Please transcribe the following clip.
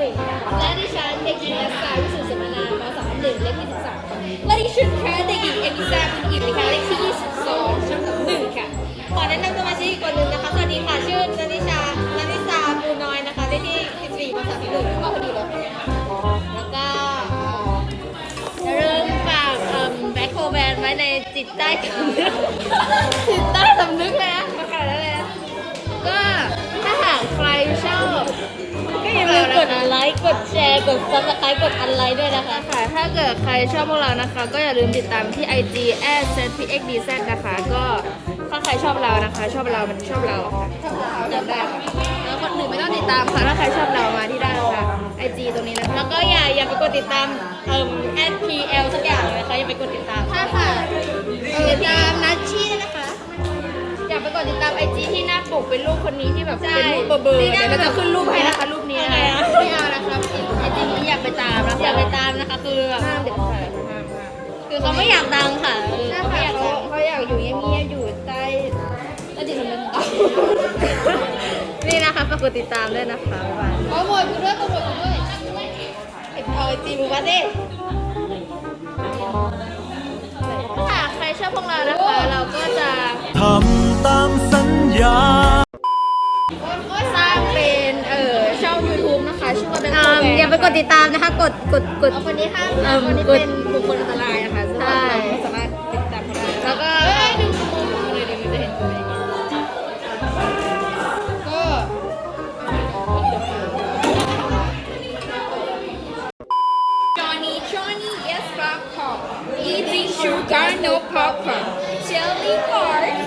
และดิฉันเด็กหญิงนัสสาวิสุทธิสมนามสอน1เลขที่13ค่ะและดิฉันค่ะเด็กหญิงเอมิซาคุณอิ๋วค่ะเลขที่22ชั้น1ค่ะขอแนะนำสมาชิกอีกคนหนึ่งนะคะสวัสดีค่ะชื่อนันนิสาปูน้อยนะคะเลขที่14ภาษาที่1ก็พอดีเลยแล้วก็อย่าลืมฝากแบ็คโคแบนไว้ในจิตใต้สำนึกจิตใต้สำนึกเลยนะมาขนาดนั้นเลยนะก็ถ้าหากใครชอบก็อย่าลืมกดไลค์กดแชร์กด Subscribe กดอันไลค์ด้วยนะคะค่ะถ้าเกิดใครชอบพวกเรานะคะก็อย่าลืมติดตามที่ IG @zpxdz นะคะก็ถ้าใครชอบเรานะคะชอบเรามันชอบเราค่ะจำได้ค่ะแล้วคนอื่นไม่ต้องติดตามค่ะถ้าใครชอบเรามาที่ได้ค่ะ IG ตรงนี้นะคะแล้วก็อย่าไปกดติดตาม@pl สักอย่างเลยนะคะอย่าไปกดติดตามค่ะติดตามนัชชี่นะคะอยากไปกดติดตามไอจีที่หน้าปกเป็นรูปคนนี้ที่แบบเป็นรูปเบอร์เดี๋ยวเราจะขึ้นรูปให้นะคะรูปนี้นะคะไม่เอานะครับไอจีนี้อยากไปตามนะอยากไปตามนะคะคือห้ามเด็ดขาดคือเขาไม่อยากดังค่ะเขาอยากอยู่เงียบๆอยู่ใต้ดินสำนึกนี่นะคะฝากกดติดตามด้วยนะคะโปรโมทกูด้วยเอาไอจีบูมาดิถ้าใครชอบพวกเรานะคะเราก็จะทำตามสัญญาสร้างเป็นช่อง YouTube นะคะชื่อว่าเป็นอย่าไปกดติดตามนะคะกดคนนี้ห้ามคนนี้เป็นบุคคลอันตรายนะคะใช่สามารถติดตามได้แล้วก็ดูเลยเดี๋ยวมันจะเห็นตัวเองก็ Johnny yes popcorn eating sugar no popcorn jelly card